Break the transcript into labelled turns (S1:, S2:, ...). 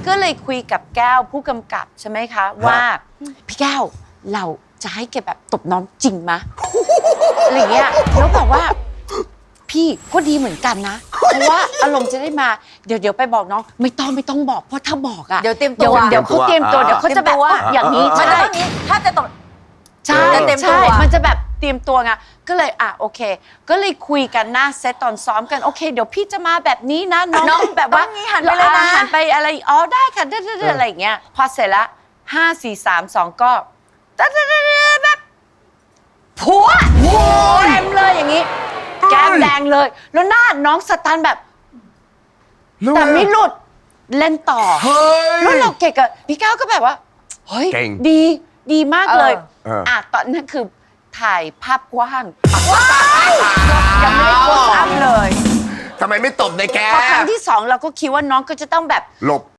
S1: ก็เลยคุยกับแก้วผู้กำกับใช่ไหมคะว่าพี่แก้วเราจะให้แกแบบตบน้องจริงมะอะไรเงี้ยแล้วบอกว่าพี่ก็ดีเหมือนกันนะเพราะว่าอารมณ์จะได้มาเดี๋ยวไปบอกน้องไม่ต้องบอกเพราะถ้าบอกอ่ะ
S2: เดี๋ยวเตรียมตัว
S1: เดี๋ยวเขาเตรียมตัวเดี๋ยวเขาจะแบบอย่างนี้
S2: มัน
S1: ใช่
S2: จะต้องนี้ถ้าจะตก
S1: ใช่
S2: จะเตรียมตัว
S1: ใช่มันจะแบบเตรียมตัวไงก็เลยโอเค ก็เลยคุยกันหน้าเซตตอนซ้อมกันโอเคเดี๋ยวพี่จะมาแบบนี้นะน้องต้องแบบว่า
S2: ต้องงี้หันไปเลยนะ
S1: หันไปอะไรอ๋อได้ค่ะอะไรอย่างเงี้ยพอเสร็จละ5 4 3 2ก็แบบผัวเต็มเลยอย่างนี้แก้มแดงเลยแล้วหน้าน้องสตันแบบแต่ไม่หลุดเล่นต่อแล้วเราเก่งกับพี่ก้าวก็แบบว่าเฮ้ยดีมากเลยตอนนั้นคือถ่ายภาพกว้างยังไม่ได้โพสต์อัพเลย
S3: ทำไมไม่ตบในแก
S1: พอครั้งที่2เราก็คิดว่าน้องก็จะต้องแบบ
S3: หลบ